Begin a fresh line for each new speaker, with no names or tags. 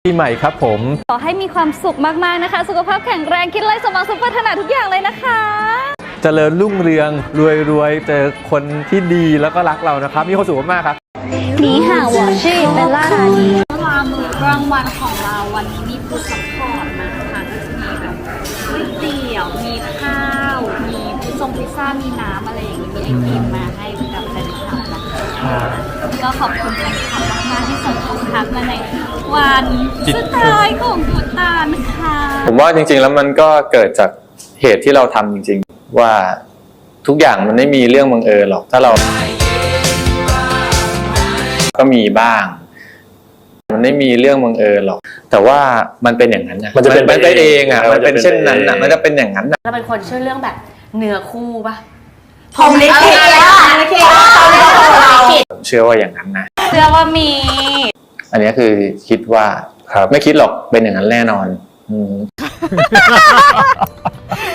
ปีใหม่ครับผม
ขอให้มีความสุขมากๆนะคะสุขภาพแข็งแรงคิดไรสมหวังสมปรารถนาทุกอย่างเลยนะคะ
เจริญรุ่งเรืองรวยเจอคนที่ดีแล้วก็รักเรานะครับมีความสุขมากๆครับ
你好我是เบลล่ารานีมื้อกลางวันของเราวันนี้มีฟู้ดซัพพอร์ตมาค่ะก็จะมีแบบก๋วยเตี๋ยวมีข้าวมีพิซซ่ามีน้ำอะไรอย่างนี้มีไอติมมาให้กับแฟนคลับนะคะก็ขอบคุณแฟนคลับมากๆที่ส่งของทักมาในวันสุดท้ายของพุตานะคะ
ผมว่าจริงๆแล้วมันก็เกิดจากเหตุที่เราทำจริงๆว่าทุกอย่างมันไม่มีเรื่องบังเอิญหรอกถ้าเราก็มีบ้างมันไม่มีเรื่องบังเอิญหรอกแต่ว่ามันเป็นอย่างนั้นนะมันจะเป็นไปเองอ่ะมันเป็นเช่นนั้นอ่ะมันจะเป็นอย่างนั้น
เราเป็นคนเชื่อเรื่องแบบเนื้อคู่ปะ
พรหมลิขิต
ผมเชื่อว่าอย่างนั้นนะ
เชื่อว่ามี
อันนี้คือคิดว่าไม่คิดหรอกเป็นอย่างนั้นแน่นอน